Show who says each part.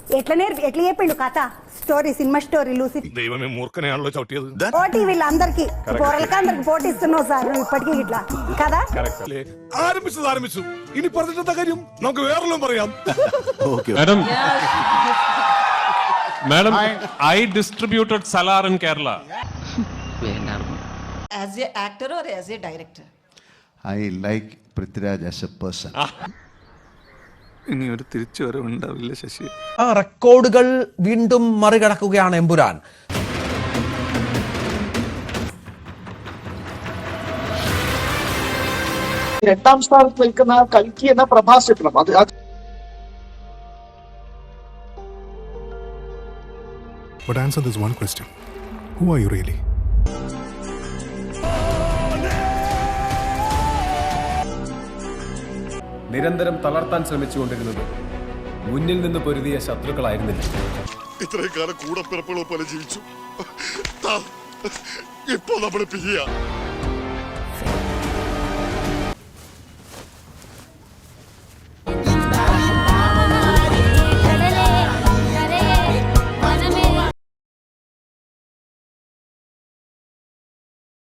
Speaker 1: ఎట్లా చెప్పిండు కథ స్టోరీ సినిమా స్టోరీలు
Speaker 2: దైవమే మూర్ఖనేయాల్లో చవిటియదు
Speaker 1: ఓటీవీలు అందరికి పోరలకి అందరికి పోటీ ఇస్తున్నావు సార్ నువ్వు ఇప్పటికీ ఇట్లా కదా
Speaker 2: ആരംഭിച്ചു ഇനി പറഞ്ഞിട്ട കാര്യം നമുക്ക് വേറെല്ലാം പറയാം
Speaker 3: Madam, I distributed Salar in Kerala.
Speaker 4: As a actor or as a director?
Speaker 5: I like Prithviraj as a person.
Speaker 6: ഇനി ഒരു തിരിച്ചു വരവുണ്ടാവില്ല ശശി.
Speaker 7: ആ റെക്കോർഡുകൾ വീണ്ടും മറികടക്കുകയാണ് എമ്പുരാൻ.
Speaker 8: രണ്ടാം സ്ഥാനത്ത് നിൽക്കുന്ന കൽക്കി എന്ന പ്രഭാസ് ചിത്രം അത്
Speaker 9: But answer this one question. Who are you really?
Speaker 10: നിരന്തരം തളർത്താൻ ശ്രമിച്ചുകൊണ്ടിരുന്നത് മുന്നിൽ നിന്ന് പൊരുതിയ ശത്രുക്കളായിരുന്നില്ല.
Speaker 2: ഇത്രയും കാലം കൂടെ പിറപ്പുള്ള പോലെ ജീവിച്ചു. ഇപ്പൊ നമ്മൾ പിരിയാ.